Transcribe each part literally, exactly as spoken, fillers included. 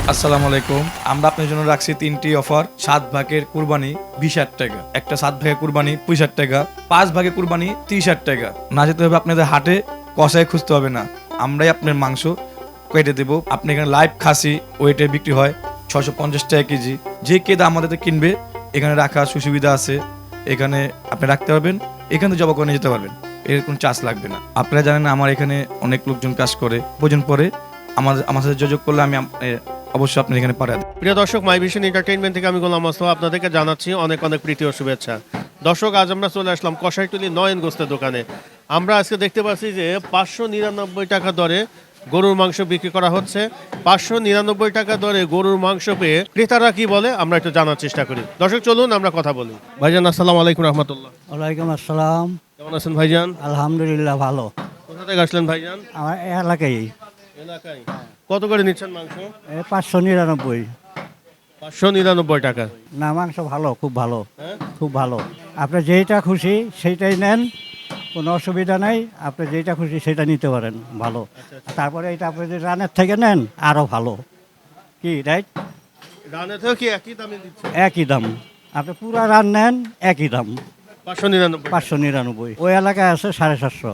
আসসালামু আলাইকুম। আমরা আপনার জন্য রাখছি তিনটি অফার। সাত ভাগের কুরবানি বিশ হাজার টাকা, একটা সাত ভাগের কুরবানি পঁচিশ হাজার টাকা, পাঁচ ভাগের কুরবানি তিরিশ হাজার টাকা। না যেতে হবে আপনাদের হাটে, কষায় খুঁজতে হবে না, আমরাই আপনার মাংস কেটে দেবো। আপনি এখানে লাইভ খাসি ওয়েটে বিক্রি হয় ছশো পঞ্চাশ টাকা কেজি। যে কে দাম আমাদের কিনবে এখানে রাখার সুবিধা আছে, এখানে আপনি রাখতে পারবেন, এখান থেকে জবা করে নিয়ে যেতে পারবেন, এর কোনো চার্জ লাগবে না। আপনারা জানেন আমার এখানে অনেক লোকজন কাজ করে, প্রয়োজন পরে আমাদের আমার সাথে যোগাযোগ করলে আমি অবশ্যই আপনার এখানে পাঠাই দেব। প্রিয় দর্শক, মাই ভিশন এন্টারটেইনমেন্ট থেকে আমি গোলাম মোস্তফা আপনাদেরকে জানাচ্ছি অনেক অনেক প্রীতি ও শুভেচ্ছা। দর্শক, আজ আমরা চলে আসলাম কষাইটুলি নয়ন গোস্তের দোকানে। আমরা আজকে দেখতে পাচ্ছি যে পাঁচশো নিরানব্বই টাকা দরে গরুর মাংস বিক্রি করা হচ্ছে। পাঁচশো নিরানব্বই টাকা দরে গরুর মাংস পেয়ে ক্রেতারা কি বলে আমরা একটু জানার চেষ্টা করি। দর্শক, চলুন আমরা কথা বলি। ভাইজান, আসসালামু আলাইকুম রহমতুল্লাহ। ওয়ালাইকুম আসসালাম। কেমন আছেন ভাইজান? আলহামদুলিল্লাহ ভালো। কোথা থেকে আসলেন ভাইজান? আমার এলাকায় এলাকায়। কত করে নিচ্ছেন মাংস? পাঁচশো নিরানব্বই। পাঁচশো নিরানব্বই টাকা। না, মাংস ভালো, খুব ভালো, হ্যাঁ, খুব ভালো। আপনি যেইটা খুশি সেইটাই নেন, কোনো অসুবিধা নাই। আপনি যেইটা খুশি সেটা নিতে পারেন, ভালো। তারপরে এটা আপনি যদি রানের থেকে নেন আরও ভালো। কি রাইট? রানে থেকে কি একই দামে দিচ্ছে? একই দাম। আপনি পুরা রান নেন একই দাম, পাঁচশো নিরানব্বই। পাঁচশো নিরানব্বই। ওই এলাকায় আছে সাড়ে সাতশো,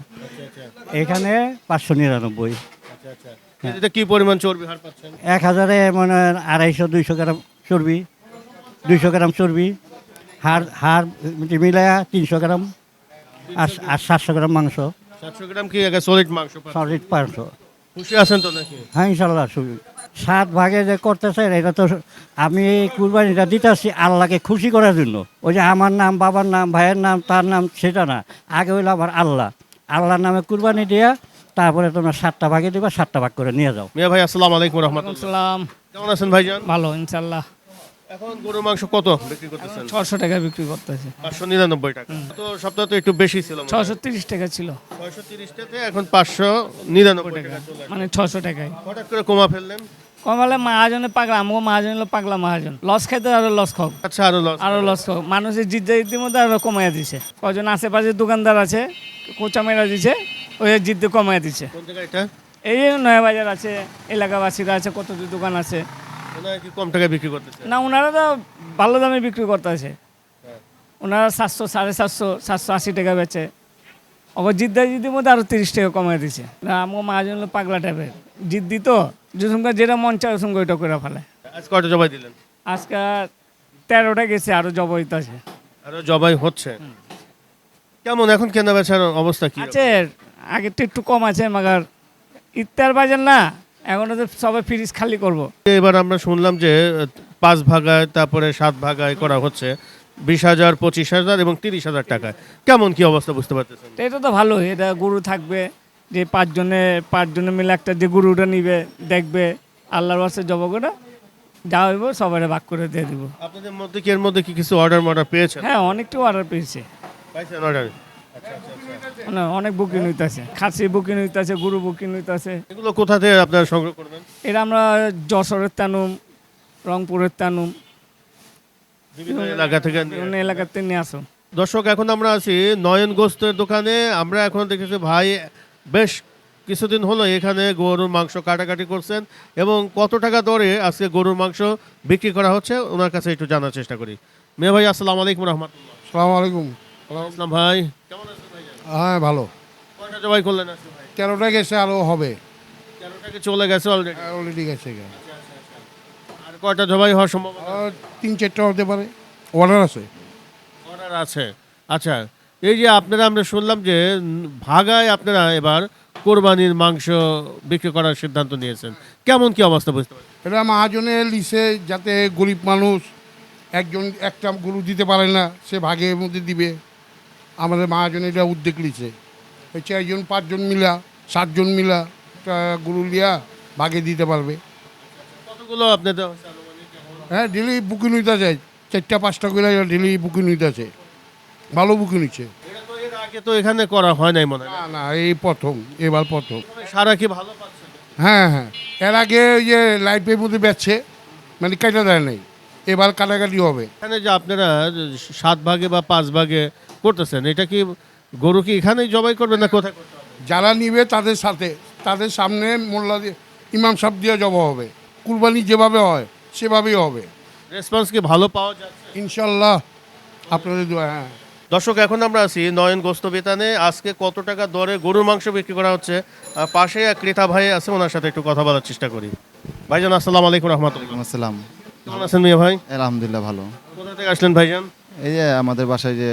এখানে পাঁচশো নিরানব্বই। এতে কি পরিমাণ চর্বি হার পাচ্ছেন? এক হাজারে মানে আড়াইশো দুইশো গ্রাম চর্বি, দুইশো গ্রাম চর্বি, হাড় হাড় মিলায়া তিনশো গ্রাম, আর আর সাতশো গ্রাম মাংস, সাতশো গ্রাম কি আগে সলিড মাংস পাচ্ছেন? সলিড পাঁচশো। খুশি আছেন তো নাকি? হ্যাঁ, ইনশাল্লাহ। সুবি সাত ভাগে যে করতেছে এটা তো আমি এই কুরবানিটা দিতে আসছি আল্লাহকে খুশি করার জন্য। ওই যে আমার নাম, বাবার নাম, ভাইয়ের নাম, তার নাম, সেটা না। আগে হইলো আমার আল্লাহ, আল্লাহর নামে কুরবানি দিয়া তারপরে তোমরা সাতটা ভাগে দিবা, সাতটা ভাগ করে নিয়ে যাও। মিয়া ভাই, আসসালামু আলাইকুম রহমতুল্লাহ। সালাম। কেমন আছেন ভাইজান? ভালো ইনশাল্লাহ। এখন গরুর মাংস কত বিক্রি করতেছেন? ছশো টাকা বিক্রি করতেছে। পাঁচশো নিরানব্বই টাকা। তো সপ্তাহে তো একটু বেশি ছিল। ছশো তিরিশ টাকা ছিল, ছয়শো তিরিশ টাকা এখন পাঁচশো নিরানব্বই টাকা চলে আসছে। মানে ছশো টাকায় হঠাৎ করে কমা ফেললেন? কমালে মহাজনে পাগলা, আমাকে মহাজন হলো পাগলা মহাজন। লস খাইতে আরো লস খাও, আচ্ছা, আরো লস। আরো লস খাও। মানুষের জিদ্দা ইতিমধ্যে আরো কমাইয়া দিছে। কজন আশেপাশে দোকানদার আছে কোচা মেরা দিছে, ওই জিদ্দে কমাইয়া দিছে। কোন জায়গায় এটা? এই যে নয়া বাজার আছে, এলাকাবাসীরা আছে, কত দোকান আছে। ওনারা কি কম টাকায় বিক্রি করতেছে? না, ওনারা তো ভালো দামে বিক্রি করতেছে। ওনারা সাতশো সাড়ে সাতশো সাতশো আশি টাকা বেচে। অগর জিদ্দা জিদ্দির মধ্যে আরো তিরিশ টাকা কমাই দিছে। না, আমার মহাজন হলো পাগলা টাইপের জিদ্দি, তো যেসঙ্গে যেটা মন চায় ওসঙ্গে ওইটা করে ফেলে। আজ কয়টা জবাই দিলেন? আজকে তেরোটা গেছে, আরো জব হইতাছে। আরো জবাই হচ্ছে। কেমন এখন কেনা বেচার অবস্থা কি? আছে, আগের তো একটু কম আছে, মাগার ইত্যার বাজার না, এখন তো সবাই ফ্রিজ খালি করবো। এবার আমরা শুনলাম যে পাঁচ ভাগায় তারপরে সাত ভাগায় করা হচ্ছে বিশ হাজার, পঁচিশ হাজার এবং তিরিশ হাজার টাকায়। কেমন কি অবস্থা বুঝতে পারতেছেন? তো এটা তো ভালো, এটা গরু থাকবে যে পাঁচজনে পাঁচজনে মিলে একটা যে গরুটা নিবে, দেখবে, আল্লাহর বাসে জব করে যা হইব সবাই ভাগ করে দিয়ে দিব। আপনাদের মধ্যে কি এর মধ্যে কি কিছু অর্ডার মর্ডার পেয়েছেন? হ্যাঁ, অনেকটা অর্ডার পেয়েছে, পাইছেন অর্ডার? মানে অনেক বুকিং হইতেছে, খাসি বুকিং হইতেছে, গরু বুকিং হইতেছে। এগুলো কোথা থেকে আপনারা সংগ্রহ করবেন? এটা আমরা যশোরের তানুম, রংপুরের তানুম, বিভিন্ন এলাকা থেকে নিয়ে বিভিন্ন এলাকাতে নিয়ে আসো। দর্শক, এখন আমরা আছি নয়ন গোস্তের দোকানে। আমরা এখন দেখেছি ভাই বেশ কিছুদিন হলো এখানে গরুর মাংস কাটাকাটি করছেন এবং কত টাকা দরে আজকে গরুর মাংস বিক্রি করা হচ্ছে ওনার কাছে একটু জানার চেষ্টা করি। মেয়ে ভাই, আসসালামু আলাইকুম রহমতুল্লাহ। সালাম আলাইকুম। আসসালাম ভাই, কেমন আছেন ভাই? হ্যাঁ, ভালো। কয়টা জবাই করলেন আজকে ভাই? তেরোটা গেছে, আরও হবে। তেরোটাকে চলে গেছে অলরেডি? অলরেডি গেছে। আর কয়টা জবাই হওয়ার সম্ভাবনা? আর তিন চারটা হতে পারে, অর্ডার আছে। অর্ডার আছে। আচ্ছা, এই যে আপনারা আমরা শুনলাম যে উম, ভাগায় আপনারা এবার কোরবানির মাংস বিক্রি করার সিদ্ধান্ত নিয়েছেন, কেমন কি অবস্থা বুঝতে পারছেন? এটা মহাজনে লিসে, যাতে গরিব মানুষ একজন একটা গরু দিতে পারে না, সে ভাগের মধ্যে দিবে। আমাদের মহাজনে এটা উদ্যোগ লিছে, ওই চারজন পাঁচজন মিলা সাতজন মিলা একটা গরু লিয়া ভাগে দিতে পারবে। কতগুলো আপনাদের হচ্ছে আনুমানিক এখন? হ্যাঁ, ডেলি বুকিং হইতে আছে, চারটা পাঁচটা করে ডেলি বুকিং হইতে আছে, ভালো বুকিং হচ্ছে। এটা তো এর আগে তো এখানে করা হয় নাই মনে হয়। না না, এই প্রথম, এবার প্রথম। সারা কি ভালো পাচ্ছেন? হ্যাঁ হ্যাঁ, এর আগে ওই যে লাইফের মধ্যে বেচছে, মানে কেটে দেয় নাই, এবার কাটাকাটি হবে। এখানে যে আপনারা সাত ভাগে বা পাঁচ ভাগে করতেছেন, এটা কি গরু কি এখানেই জবাই করবেন না কোথায় করতে হবে? যারা নিবে তাদের সাথে, তাদের সামনে মোল্লা দিয়ে ইমাম সাহেব দিয়ে জবা হবে। কুরবানি যেভাবে হয় সেভাবেই হবে রেসপন্স কি ভালো পাওয়া যাচ্ছে? ইনশাল্লাহ আপনাদের দোয়া হ্যাঁ দর্শক, এখন আমরা আছি নয়ন গোস্ত বিতানে। আজকে কত টাকা দরে গরুর মাংস বিক্রি করা হচ্ছে, আর পাশে এক ক্রেতা ভাই আছে, ওনার সাথে একটু কথা বলার চেষ্টা করি। ভাইজান আসসালামু আলাইকুম রহমতুল্লাহ। আসসালাম। কেমন আছেন মিয়া ভাই? আলহামদুলিল্লাহ ভালো। কোথা থেকে আসলেন ভাইজান? এই যে আমাদের বাসায় যে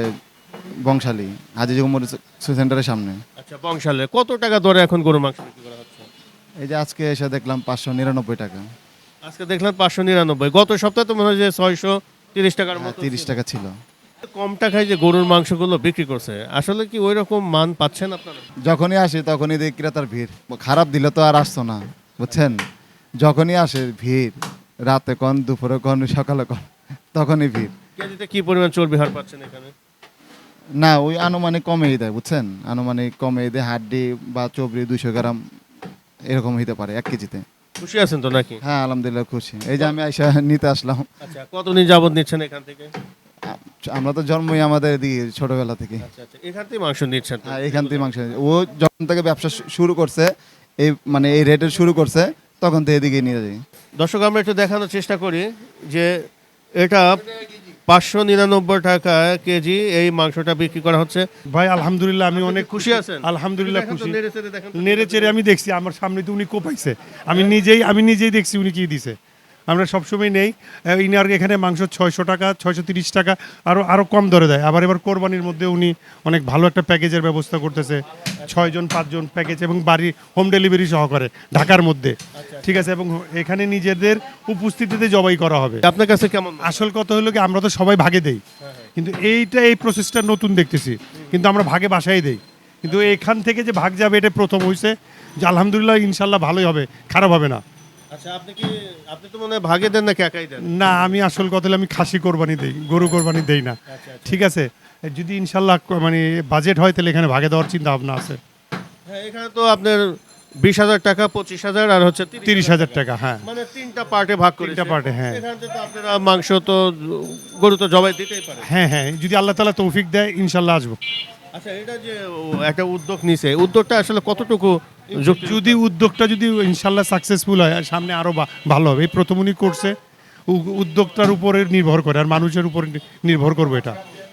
বংশালী হাজি জুমুর সেন্টারের সামনে। আচ্ছা, বংশালে কত টাকা দরে এখন গরুর মাংস বিক্রি করা হচ্ছে? এই যে আজকে এসে দেখলাম পাঁচশো নিরানব্বই টাকা। আজকে দেখলাম পাঁচশো নিরানব্বই। গত সপ্তাহে তো মনে হয় যে ছয়শো তিরিশ টাকার মতো তিরিশ ছিল। টাকা ছিল। কম টাকায় যে গরুর মাংসগুলো বিক্রি করছে, আসলে কি ওই রকম মান পাচ্ছেন আপনারা? যখনই আসে তখনই দেখি ক্রেতার ভিড়। খারাপ দিলে তো আর আসতো না, বুঝছেন। যখনই আসে ভিড়, রাতে কন, দুপুরে কন, সকালে কন, তখনই ভিড়। কেজিতে কি পরিমাণ চর্বি হার পাচ্ছেন এখানে? না, ওই আনুমানিক কমেই দেয়, বুঝছেন। আনুমানিক কমেই দেয়, হাড্ডি বা চবরি দুইশো গ্রাম এরকম হইতে পারে এক কেজিতে। খুশি আছেন তো নাকি? হ্যাঁ আলহামদুলিল্লাহ খুশি। এই যে আমি আইসা নিতে আসলাম। আচ্ছা, কতদিন যাবত নিচ্ছেন এখান থেকে? আমরা তো জন্মই আমাদের দিকে ছোটবেলা থেকে। আচ্ছা আচ্ছা, এখান থেকে মাংস নিচ্ছেন তো? হ্যাঁ এখান থেকে মাংস। ও যখন থেকে ব্যবসা শু- শুরু করছে, এই মানে এই রেটের শুরু করছে, তখন থেকে এদিকে নিয়ে যাই। দর্শক, আমরা একটু দেখানোর চেষ্টা করি যে এটা পাঁচশো নিরানব্বই টাকা কেজি এই মাংসটা বিক্রি করা হচ্ছে। ভাই আলহামদুলিল্লাহ আমি অনেক খুশি আছেন? আলহামদুলিল্লাহ দেখেন তো, খুশি। নেড়ে চেড়ে দেখেন তো। নেড়ে চেড়ে আমি দেখছি, আমার সামনে তো উনি কোপাইছে, আমি নিজেই আমি নিজেই দেখছি উনি কি দিছে। আমরা সবসময় নেই আহ, ইনার এখানে মাংস ছয়শো টাকা, ছয়শো তিরিশ টাকা, আরও আরও কম দরে দেয়। আবার এবার কোরবানির মধ্যে উনি অনেক ভালো একটা প্যাকেজের ব্যবস্থা করতেছে, ছয়জন পাঁচজন প্যাকেজ এবং বাড়ি হোম ডেলিভারি সহকারে ঢাকার মধ্যে, ঠিক আছে। এবং এখানে নিজেদের উপস্থিতিতে জবাই করা হবে। আপনার কাছে কেমন? আসল কথা হলো কি, আমরা তো সবাই ভাগে দেই, কিন্তু এইটা এই প্রসেসটা নতুন দেখতেছি, কিন্তু আমরা ভাগে বাসায় দেই, কিন্তু এখান থেকে যে ভাগ যাবে এটা প্রথম হয়েছে। যে আলহামদুলিল্লাহ ইনশাল্লাহ ভালোই হবে, খারাপ হবে না। আচ্ছা, আপনি কি আপনি তো মনে হয় ভাগে দেন নাকি একাই দেন? না, আমি আসল কথা হলো আমি খাসি কোরবানি দেই, গরু কোরবানি দেই না, ঠিক আছে। যদি ইনশাল্লাহ ক- মানে বাজেট হয় তাহলে এখানে ভাগে দেওয়ার চিন্তা ভাবনা আছে। হ্যাঁ, এখানে তো আপনার বিশ হাজার টাকা, পঁচিশ হাজার আর হচ্ছে তিরিশ হাজার টাকা, হ্যাঁ মানে তিনটা পার্টে ভাগ করে। তিনটা part এ, হ্যাঁ। এখান থেকে তো আপনারা মাংস তো গরু তো জবাই দিতেই পারে। হ্যাঁ হ্যাঁ, যদি আল্লাহ তাআলা তৌফিক দেয় ইনশাল্লাহ আসবো। আচ্ছা, এটা যে ও একটা উদ্যোগ নিছে, উদ্যোগটা আসলে কতটুকু যুক্তি? যদি উদ্যোগটা যদি ইনশাল্লাহ সাকসেসফুল হয়, আর সামনে আরও ভালো হবে। এই প্রথম উনি করছে, উ- উদ্যোগটার উপরে নির্ভর করে, আর মানুষের উপর নি- নির্ভর করবে এটা।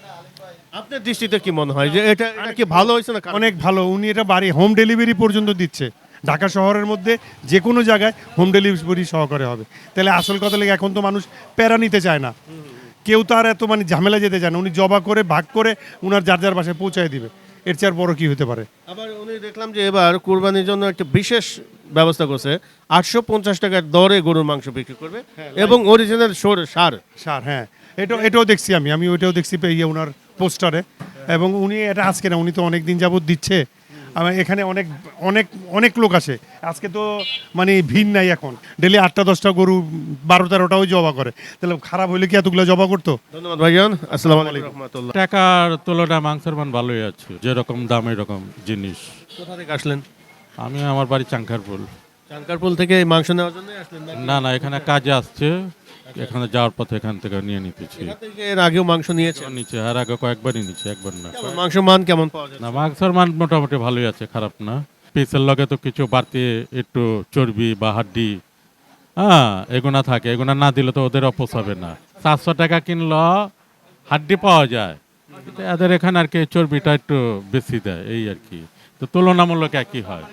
আপনার দৃষ্টিতে কি মনে হয় যে এটা এটা কি ভালো হয়েছে না খারাপ? অনেক ভালো। উনি এটা বাড়ি হোম ডেলিভারি পর্যন্ত দিচ্ছে, ঢাকা শহরের মধ্যে যে কোনো জায়গায় হোম ডেলিভারি সহকারে হবে। তাহলে আসল কথা লাগে, এখন তো মানুষ প্যারা নিতে চায় না, কেউ তো আর এত মানে ঝামেলা যেতে চায় না। উনি জবা করে ভাগ করে উনার যার যার বাসায় পৌঁছায় দিবে, এর চেয়ে আর বড় কি হতে পারে। আবার উনি দেখলাম যে এবার কুরবানির জন্য একটা বিশেষ ব্যবস্থা করছে, আটশো পঞ্চাশ টাকার দরে গরুর মাংস বিক্রি করবে এবং অরিজিনাল সোর সার। সার, হ্যাঁ, এটা এটাও দেখছি আমি আমি ওইটাও দেখছি পে- ইয়ে ওনার পোস্টারে। এবং উনি এটা আজকে না, উনি তো অনেক দিন যাবত দিচ্ছে। আমার এখানে অনেক অনেক অনেক লোক আসে। আজকে তো মানে ভিড় নাই, এখন ডেলি আটটা দশটা গরু, বারো তেরোটাও জবা করে, তাহলে খারাপ হইলে কি এতগুলো জবা করতো? ধন্যবাদ ভাইজান, আসসালামু আলাইকুম রহমতুল্লাহ। টাকার তুলনায় মাংসের মান ভালোই আছে, যেরকম দাম এরকম জিনিস। কোথা থেকে আসলেন? আমি আমার বাড়ি চাঙ্কারপুল। চানকারপুল থেকে এই মাংস নেওয়ার জন্য আসলেন নাকি? না না, এখানে কাজে আসছে, এখানে যাওয়ার পথে এখান থেকে নিয়ে নিতেছি। এখান থেকে এর আগেও মাংস নিয়েছেন? নিচে আর আগে কয়েকবারই নিচে, একবার না। কেমন মাংস মান কেমন পাওয়া যায়? না, মাংসের মান মোটামুটি ভালোই আছে, খারাপ না। পিসের লগে তো কিছু বাড়তি একটু চর্বি বা হাড্ডি, হ্যাঁ, এগুনা থাকে, এগুনা না দিলে তো ওদের অপোসাবে না। সাতশো টাকা কিনলো হাড্ডি পাওয়া যায়, কিন্তু এদের এখানে আর কি চর্বিটা একটু বেশি দেয়, এই আর কি। তো তুলনামূলক একই হয়,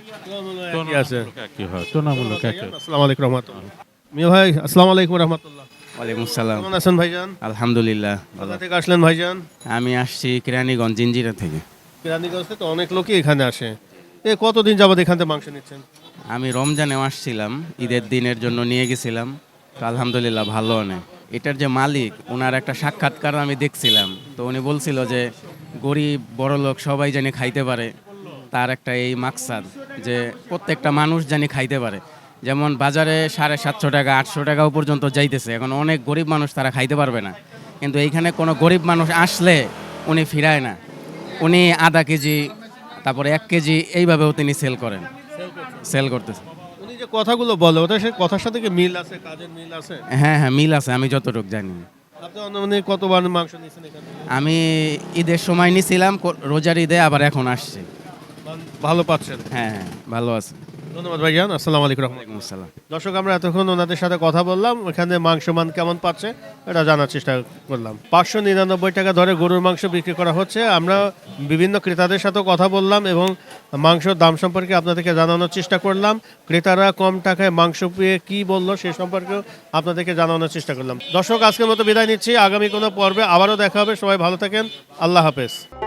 কি আছে? তুলনামূলক একই হয়, তুলনামূলক একই। আসসালামু আলাইকুম রহমতুল্লাহ। মিয়া ভাই, আসসালামু আলাইকুম রহমতুল্লাহ। ওয়ালাইকুম সালাম। কেমন আছেন ভাইজান? আলহামদুলিল্লাহ ভালো। কোথা থেকে আসলেন ভাইজান? আমি আসছি কেরানীগঞ্জ জিঞ্জিরা থেকে। কেরানীগঞ্জে তো অনেক লোকই এখানে আসে। এ কতদিন যাবত এখান থেকে মাংস নিচ্ছেন? আমি রমজানেও আসছিলাম, ঈদের দিনের জন্য নিয়ে গেছিলাম, তো আলহামদুলিল্লাহ ভালো অনেক। এটার যে মালিক, ওনার একটা সাক্ষাৎকার আমি দেখছিলাম, তো উনি বলছিল যে গরিব বড় লোক সবাই জানি খাইতে পারে, তার একটা এই মাকসাদ যে প্রত্যেকটা মানুষ জানি খাইতে পারে। যেমন বাজারে সাড়ে সাতশো টাকা আটশো টাকাও পর্যন্ত যাইতেছে, এখন অনেক গরিব মানুষ তারা খাইতে পারবে না, কিন্তু এইখানে কোনো গরিব মানুষ আসলে উনি ফিরায় না, উনি আধা কেজি তারপরে এক কেজি এইভাবেও তিনি সেল করেন, সেল করতেছে। উনি যে কথাগুলো বলে, ওটা সে কথার সাথে কি মিল আছে, কাজের মিল আছে? হ্যাঁ হ্যাঁ মিল আছে, আমি যতটুকু জানি। আপনি অনুমানিক কতবার মাংস নিয়েছেন এখান থেকে? আমি ঈদের সময় নিছিলাম, কো- রোজার ঈদে আবার এখন আসছি। মান ভালো পাচ্ছেন? হ্যাঁ হ্যাঁ ভালো আছে। ধন্যবাদ ভাইজান, আসসালামু আলাইকুম রহমতুল্লাহ। ওয়ালাইকুম আসসালাম। দর্শক আমরা এতক্ষণ ওনাদের সাথে কথা বললাম, এখানে মাংস মান কেমন পাচ্ছে এটা জানার চেষ্টা করলাম। পাঁচশো নিরানব্বই টাকা ধরে গরুর মাংস বিক্রি করা হচ্ছে। আমরা বিভিন্ন ক্রেতাদের সাথেও কথা বললাম এবং মাংসর দাম সম্পর্কে আপনাদেরকে জানানোর চেষ্টা করলাম। ক্রেতারা কম টাকায় মাংস পেয়ে কী বললো সে সম্পর্কেও আপনাদেরকে জানানোর চেষ্টা করলাম। দর্শক আজকের মতো বিদায় নিচ্ছি, আগামী কোনো পর্বে আবারও দেখা হবে। সবাই ভালো থাকেন, আল্লাহ হাফেজ।